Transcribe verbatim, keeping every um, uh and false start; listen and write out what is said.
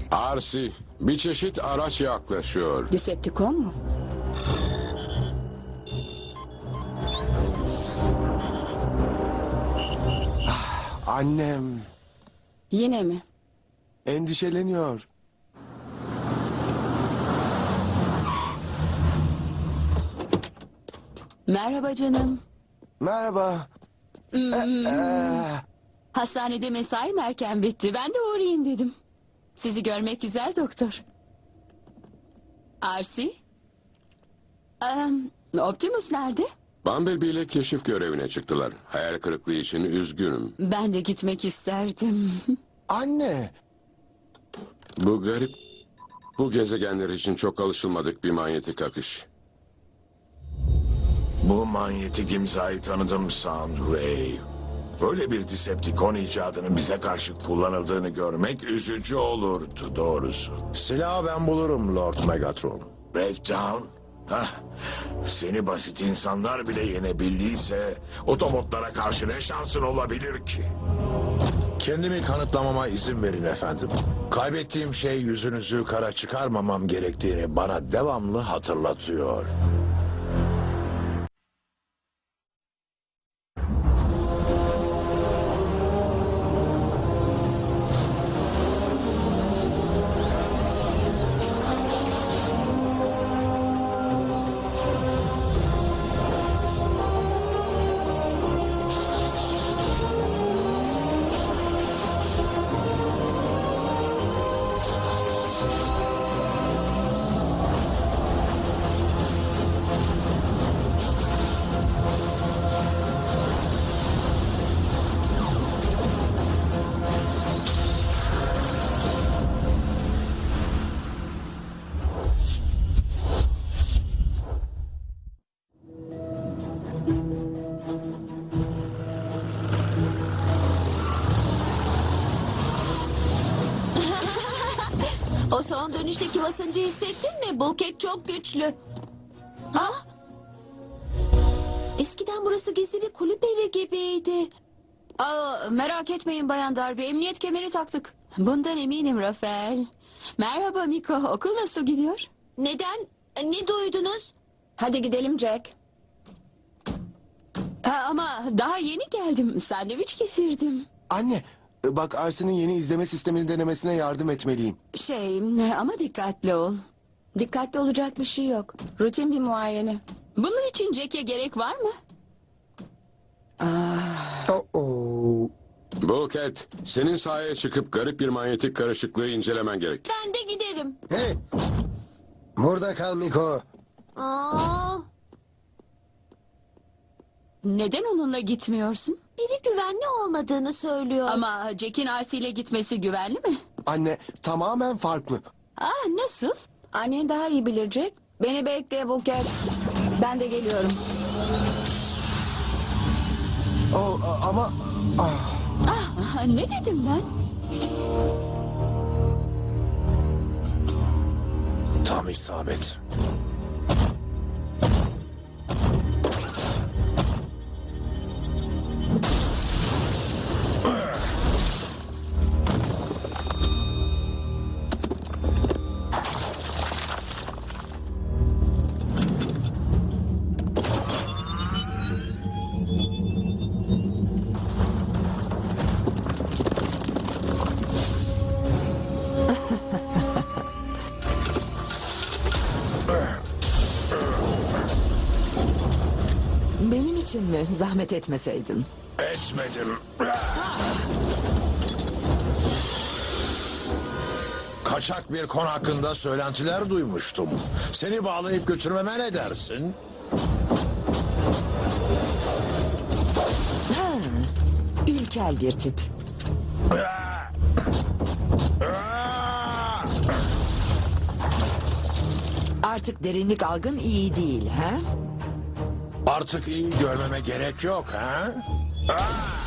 Arsi, bir çeşit araç yaklaşıyor. Decepticon mu? Annem Yine mi? endişeleniyor. Merhaba canım. Merhaba. Hastanede mesaim erken bitti. Ben de uğrayayım dedim. Sizi görmek güzel doktor. Arsi? Ee, Optimus nerede? Bumblebee ile keşif görevine çıktılar. Hayal kırıklığı için üzgünüm. Ben de gitmek isterdim. Anne. Bu garip, bu gezegenler için çok alışılmadık bir manyetik akış. Bu manyetik imzayı tanıdım Soundwave. Böyle bir Decepticon icadının bize karşı kullanıldığını görmek üzücü olurdu doğrusu. Silahı ben bulurum Lord Megatron. Breakdown? Hah, seni basit insanlar bile yenebildiyse otobotlara karşı ne şansın olabilir ki? Kendimi kanıtlamama izin verin efendim. Kaybettiğim şey yüzünüzü kara çıkarmamam gerektiğini bana devamlı hatırlatıyor. O son dönüşteki basıncı hissettin mi? Bulkhead çok güçlü. Ha? Eskiden burası gizli bir kulüp evi gibiydi. Aa, merak etmeyin Bayan Darby. Emniyet kemeri taktık. Bundan eminim Rafael. Merhaba Miko. Okul nasıl gidiyor? Neden? Ne duydunuz? Hadi gidelim Jack. Ha, ama daha yeni geldim. Sandviç kesirdim. Anne, bak Arsi'nin yeni izleme sistemini denemesine yardım etmeliyim. Şey ama dikkatli ol. Dikkatli olacak bir şey yok. Rutin bir muayene. Bunun için Jack'e gerek var mı? Bulkhead, senin sahaya çıkıp garip bir manyetik karışıklığı incelemen gerek. Ben de giderim. Hey! Burada kal Miko. Aa, Neden onunla gitmiyorsun? biri güvenli olmadığını söylüyor. Ama Jack'in Arsi ile gitmesi güvenli mi? Anne, tamamen farklı. Ah nasıl? Annen daha iyi bilir Jack. Beni bekle Bulkhead. Ben de geliyorum. O, a- ama... Ah, Ah ne dedim ben? Tam isabet. Benim için mi? Zahmet etmeseydin. Etmedim. Kaçak bir kon hakkında söylentiler duymuştum. Seni bağlayıp götürmeme ne dersin? Ha, ilkel bir tip. Artık derinlik algın iyi değil, ha? Artık iyi görmeme gerek yok ha? Ah!